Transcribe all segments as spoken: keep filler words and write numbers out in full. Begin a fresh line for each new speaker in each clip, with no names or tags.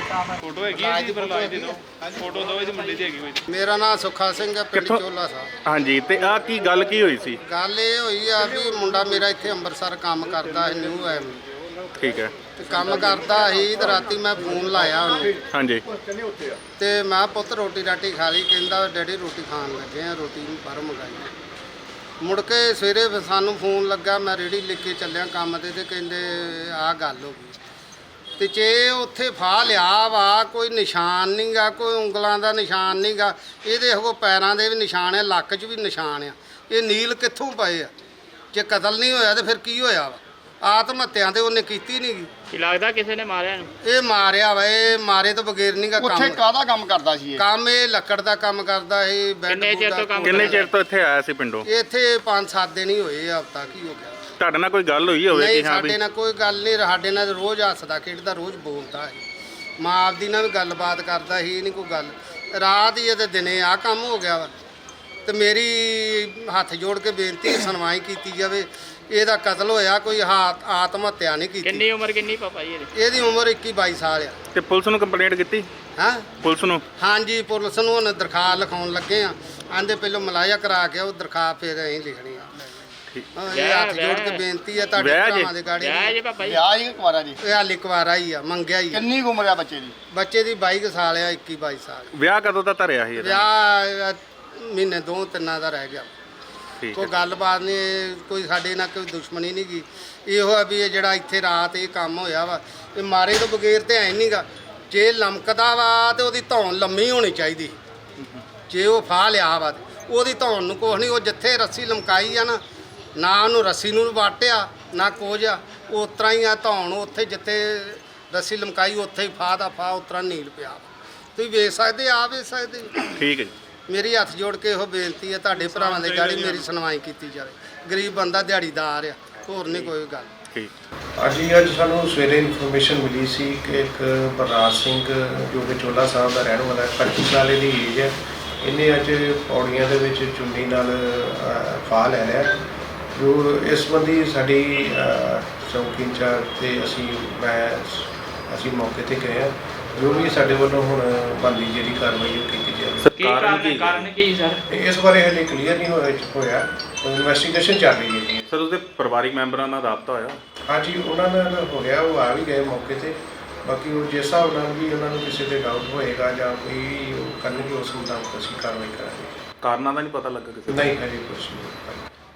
Photo है जी प्रहलाद दी दो photo दो इस मुंडे दी हैगी कोई
ਮੇਰਾ ਨਾਮ ਸੁੱਖਾ ਸਿੰਘ ਹੈ, ਪਿੰਡ ਚੋਲਾ ਸਾਹਿਬ।
ਹਾਂਜੀ ਤੇ ਆ ਕੀ ਗੱਲ ਕੀ ਹੋਈ ਸੀ?
ਗੱਲ ਇਹ ਹੋਈ ਆ ਵੀ ਮੁੰਡਾ ਮੇਰਾ ਇੱਥੇ ਅੰਮ੍ਰਿਤਸਰ ਕੰਮ ਕਰਦਾ ਹੈ, ਨਿਊ ਐਮ
ਠੀਕ ਹੈ।
ਤੇ ਕੰਮ ਕਰਦਾ ਸੀ ਤੇ ਰਾਤੀ ਮੈਂ ਫੋਨ ਲਾਇਆ ਉਹਨੂੰ
ਹਾਂਜੀ
ਤੇ ਮੈਂ ਪੁੱਤ ਰੋਟੀ ਰਾਟੀ ਖਾ ਲਈ। ਕਹਿੰਦਾ ਡੈਡੀ ਰੋਟੀ ਖਾਣ ਲੱਗੇ ਆ, ਰੋਟੀ ਬਾਹਰੋਂ ਮੰਗਾਈ। ਮੁੜ ਕੇ ਸਵੇਰੇ ਫਿਰ ਸਾਨੂੰ ਫੋਨ ਲੱਗਾ, ਮੈਂ ਰੇੜੀ ਲੈ ਕੇ ਚੱਲਿਆ ਕੰਮ ਤੇ ਤੇ ਕਹਿੰਦੇ ਆਹ ਗੱਲ ਹੋ ਗਈ। ਤੇ ਜੇ ਉੱਥੇ ਫਾਹ ਲਿਆ ਵਾ, ਕੋਈ ਨਿਸ਼ਾਨ ਨਹੀਂ ਗਾ, ਕੋਈ ਉਂਗਲਾਂ ਦਾ ਨਿਸ਼ਾਨ ਨਹੀਂ ਗਾ, ਇਹਦੇ ਉਹ ਪੈਰਾਂ ਦੇ ਵੀ ਨਿਸ਼ਾਨ ਆ, ਲੱਕ 'ਚ ਵੀ ਨਿਸ਼ਾਨ ਆ। ਇਹ ਨੀਲ ਕਿੱਥੋਂ ਪਏ ਆ? ਜੇ ਕਤਲ ਨਹੀਂ ਹੋਇਆ ਤੇ ਫਿਰ ਕੀ ਹੋਇਆ ਵਾ? ਆਤਮ ਹੱਤਿਆ ਤੇ ਉਹਨੇ ਕੀਤੀ ਨਹੀਂ ਗੀ।
ਕੀ ਲੱਗਦਾ ਕਿਸੇ ਨੇ ਮਾਰਿਆ ਇਹਨੂੰ?
ਇਹ ਮਾਰਿਆ ਵਾ, ਇਹ ਮਾਰੇ ਤੋਂ ਬਗੈਰ ਨਹੀਂ ਗਾ
ਉੱਥੇ
ਕੰਮ।
ਕਾਹਦਾ ਕੰਮ ਕਰਦਾ ਸੀ ਇਹ?
ਕੰਮ ਇਹ ਲੱਕੜ ਦਾ ਕੰਮ ਕਰਦਾ ਇਹ। ਬੈੱਡ
ਕਿੰਨੇ ਚਿਰ ਤੋਂ ਕੰਮ
ਕਿੰਨੇ ਚਿਰ ਤੋਂ ਇੱਥੇ ਆਇਆ ਸੀ ਪਿੰਡੋਂ?
ਇੱਥੇ ਪੰਜ ਸੱਤ ਦਿਨ ਹੀ ਹੋਏ ਆ, ਹਫਤਾ ਕੀ ਹੋ ਗਿਆ।
ਤੁਹਾਡੇ ਨਾਲ ਕੋਈ ਗੱਲ ਹੋਈ ਹੋਵੇ
ਨਹੀਂ
ਕਿ ਹਾਂ ਵੀ
ਸਾਡੇ ਨਾਲ ਕੋਈ ਗੱਲ ਨਹੀਂ, ਸਾਡੇ ਨਾਲ ਰੋਜ਼ ਹੱਸਦਾ ਖੇਡਦਾ, ਰੋਜ਼ ਬੋਲਦਾ ਹੈ। ਮਾਂ ਆਪਦੀ ਨਾਲ ਵੀ ਗੱਲਬਾਤ ਕਰਦਾ ਸੀ, ਇਹ ਨਹੀਂ ਕੋਈ ਗੱਲ। ਰਾਤ ਹੀ ਤੇ ਦਿਨੇ ਆ ਕੰਮ ਹੋ ਗਿਆ ਵਾ। ਤੇ ਮੇਰੀ ਹੱਥ ਜੋੜ ਕੇ ਬੇਨਤੀ ਸੁਣਵਾਈ ਕੀਤੀ ਜਾਵੇ। ਇਹਦਾ ਕਤਲ ਹੋਇਆ, ਕੋਈ ਹਾਤ ਆਤਮ ਹੱਤਿਆ ਨਹੀਂ ਕੀਤੀ।
ਕਿੰਨੀ ਉਮਰ ਕਿੰਨੀ ਪਾਪਾ ਜੀ ਇਹਦੀ?
ਇਹਦੀ ਉਮਰ ਇੱਕੀ ਬਾਈ ਸਾਲ ਆ।
ਤੇ ਪੁਲਿਸ ਨੂੰ ਕੰਪਲੇਂਟ ਕੀਤੀ?
ਹਾਂ
ਪੁਲਿਸ ਨੂੰ?
ਹਾਂਜੀ ਪੁਲਿਸ ਨੂੰ ਹੁਣ ਦਰਖਾਸਤ ਲਿਖਾਉਣ ਲੱਗੇ ਆ। ਆਂਦੇ ਪਹਿਲਾਂ ਮਲਾਇਆ ਕਰਾ ਕੇ ਉਹ ਦਰਖਾਸਤ ਫਿਰ ਅਸੀਂ ਲਿਖਣੀ ਆ। ਹਾਂ, ਇਹ ਹੱਥ ਜੋੜ ਕੇ ਬੇਨਤੀ ਆ ਤੁਹਾਡੇ
ਵਿਆਹ ਜੀ?
ਭਰਾਵਾਂ ਦੇ ਗਾੜੀ।
ਵਿਆਹ ਜੀ ਪਾਪਾ ਜੀ?
ਵਿਆਹ ਹੀ ਕੁਆਰਾ ਜੀ?
ਇਹ ਹਾਲੇ ਕੁਆਰਾ ਹੀ ਆ, ਮੰਗਿਆ ਹੀ ਆ।
ਕਿੰਨੀ ਕੁ ਉਮਰ ਆ ਬੱਚੇ ਦੀ?
ਬੱਚੇ ਦੀ ਬਾਈ ਕੁ ਸਾਲ ਆ, ਇੱਕੀ ਬਾਈ ਸਾਲ।
ਵਿਆਹ ਕਦੋਂ ਦਾ ਧਰਿਆ ਸੀ ਇਹਦਾ?
ਵਿਆਹ ਮਹੀਨੇ ਦੋ ਤਿੰਨਾਂ ਦਾ ਰਹਿ ਗਿਆ।
ਠੀਕ
ਕੋਈ
ਹੈ।
ਗੱਲਬਾਤ ਨਹੀਂ, ਕੋਈ ਸਾਡੇ ਨਾਲ ਕੋਈ ਦੁਸ਼ਮਣੀ ਨਹੀਂ ਗੀ। ਇਹੋ ਆ ਵੀ ਇਹ ਜਿਹੜਾ ਇੱਥੇ ਰਾਤ ਇਹ ਕੰਮ ਹੋਇਆ ਵਾ, ਇਹ ਮਾਰੇ ਤੋਂ ਬਗੈਰ ਤੇ ਐ ਨਹੀਂਗਾ। ਜੇ ਲਮਕਦਾ ਵਾ ਤੇ ਉਹਦੀ ਧੌਣ ਲੰਮੀ ਹੋਣੀ ਚਾਹੀਦੀ। ਜੇ ਉਹ ਫਾਹ ਲਿਆ ਵਾ ਤੇ ਉਹਦੀ ਧੌਣ ਨੂੰ ਕੁਛ ਨਹੀਂ। ਉਹ ਜਿੱਥੇ ਰੱਸੀ ਲਮਕਾਈ ਆ ਨਾ, ਨਾ ਉਹਨੂੰ ਰੱਸੀ ਨੂੰ ਵਾਟਿਆ ਨਾ ਕੁਝ ਆ, ਉਹ ਉਸ ਤਰ੍ਹਾਂ ਹੀ ਆ ਧੌਣ। ਉੱਥੇ ਜਿੱਥੇ ਰੱਸੀ ਲਮਕਾਈ ਉੱਥੇ ਹੀ ਫਾਹ ਦਾ ਫਾਹ ਉਸ ਤਰ੍ਹਾਂ ਨੀਲ ਪਿਆ। ਤੁਸੀਂ ਵੇਖ ਸਕਦੇ, ਆ ਵੇਖ ਸਕਦੇ।
ਠੀਕ ਹੈ ਜੀ।
ਮੇਰੀ ਹੱਥ ਜੋੜ ਕੇ ਇਹੋ ਬੇਨਤੀ ਹੈ ਤੁਹਾਡੇ ਭਰਾਵਾਂ ਦੇ ਗਾੜੀ, ਮੇਰੀ ਸੁਣਵਾਈ ਕੀਤੀ ਜਾਵੇ। ਗਰੀਬ ਬੰਦਾ ਦਿਹਾੜੀਦਾਰ ਆ, ਹੋਰ ਨਹੀਂ ਕੋਈ ਗੱਲ।
ਠੀਕ।
ਅੱਜ ਅੱਜ ਸਾਨੂੰ ਸਵੇਰੇ ਇਨਫੋਰਮੇਸ਼ਨ ਮਿਲੀ ਸੀ ਕਿ ਇੱਕ ਬਲਰਾਜ ਸਿੰਘ ਜੋ ਕਿ ਚੋਲਾ ਸਾਹਿਬ ਦਾ ਰਹਿਣ ਵਾਲਾ ਹੈ, ਪੱਚੀ ਸਾਲ ਦੀ ਏਜ ਹੈ। ਇਹਨੇ ਅੱਜ ਪੌੜੀਆਂ ਦੇ ਵਿੱਚ ਚੁੰਨੀ ਨਾਲ ਫਾਹ ਲੈ ਲਿਆ। ਜੋ ਇਸ ਸੰਬੰਧੀ ਸਾਡੀ ਚੌਕੀ ਇੰਚਾਰਜ ਤੇ ਅਸੀਂ ਮੈਂ ਅਸੀਂ ਮੌਕੇ ਤੇ ਗਏ ਹਾਂ। ਜੋ ਵੀ ਸਾਡੇ ਵੱਲੋਂ ਹੁਣ ਬਣਦੀ ਜਿਹੜੀ ਕਾਰਵਾਈ ਉਹ ਕੀਤੀ ਜਾਵੇ।
ਕੀ ਕਾਰਨ ਕਾਰਨ ਕੀ ਸਰ?
ਇਸ ਬਾਰੇ ਹਲੇ ਕਲੀਅਰ ਨਹੀਂ ਹੋਇਆ ਹੋਇਆ ਇਨਵੈਸਟੀਗੇਸ਼ਨ ਚੱਲ ਰਹੀ ਹੈ ਜੀ।
ਸਰ ਉਹਦੇ ਪਰਿਵਾਰਿਕ ਮੈਂਬਰਾਂ ਨਾਲ ਰਾਬਤਾ ਹੋਇਆ?
ਹਾਂਜੀ ਉਹਨਾਂ ਨਾਲ ਹੋ ਗਿਆ, ਉਹ ਆ ਵੀ ਗਏ ਮੌਕੇ ਤੇ। ਬਾਕੀ ਉਹ ਜਿਸ ਹਿਸਾਬ ਨਾਲ ਵੀ ਉਹਨਾਂ ਨੂੰ ਕਿਸੇ ਤੇ ਡਾਊਟ ਹੋਏਗਾ ਜਾਂ ਕੋਈ ਉਹ ਕਰਨਗੇ, ਉਸ ਮੁਤਾਬਕ ਅਸੀਂ ਕਾਰਵਾਈ ਕਰਾਂਗੇ।
ਕਾਰਨਾਂ ਦਾ ਨਹੀਂ ਪਤਾ ਲੱਗਾ ਕਿਸੇ ਦਾ?
ਨਹੀਂ ਹਜੇ ਕੁਛ ਨਹੀਂ।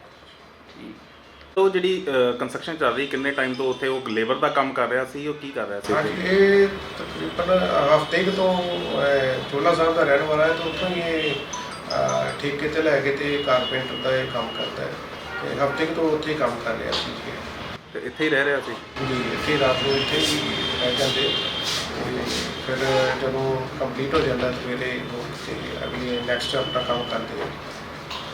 ਉਹ ਜਿਹੜੀ ਕੰਸਟਰਕਸ਼ਨ ਚੱਲ ਰਹੀ, ਕਿੰਨੇ ਟਾਈਮ ਤੋਂ ਉੱਥੇ ਉਹ ਲੇਬਰ ਦਾ ਕੰਮ ਕਰ ਰਿਹਾ ਸੀ? ਉਹ ਕੀ ਕਰ ਰਿਹਾ ਸੀ?
ਹਾਂਜੀ ਇਹ ਤਕਰੀਬਨ ਹਫ਼ਤੇ ਕੁ ਤੋਂ ਚੋਲਾ ਸਾਹਿਬ ਦਾ ਰਹਿਣ ਵਾਲਾ ਹੈ, ਤਾਂ ਉੱਥੋਂ ਹੀ ਇਹ ਅਹ, ਠੇਕੇ ਤੇ ਲੈ ਕੇ ਤੇ ਕਾਰਪੈਂਟਰ ਦਾ ਇਹ ਕੰਮ ਕਰਦਾ ਹੈ। ਤੇ ਹਫ਼ਤੇ ਕੁ ਤੋਂ ਉੱਥੇ ਕੰਮ ਕਰ ਰਿਹਾ ਸੀ ਜੀ।
ਤੇ ਇੱਥੇ ਹੀ ਰਹਿ ਰਿਹਾ ਸੀ
ਜੀ ਇੱਥੇ ਰਾਤ ਨੂੰ ਇੱਥੇ ਹੀ ਰਹਿ ਜਾਂਦੇ। ਤੇ ਫਿਰ ਜਦੋਂ ਕੰਪਲੀਟ ਹੋ ਜਾਂਦਾ ਸਵੇਰੇ ਉਹ ਤੇ ਅਗਲੀ ਨੈਕਸਟ ਆਪਣਾ ਕੰਮ ਕਰਦੇ।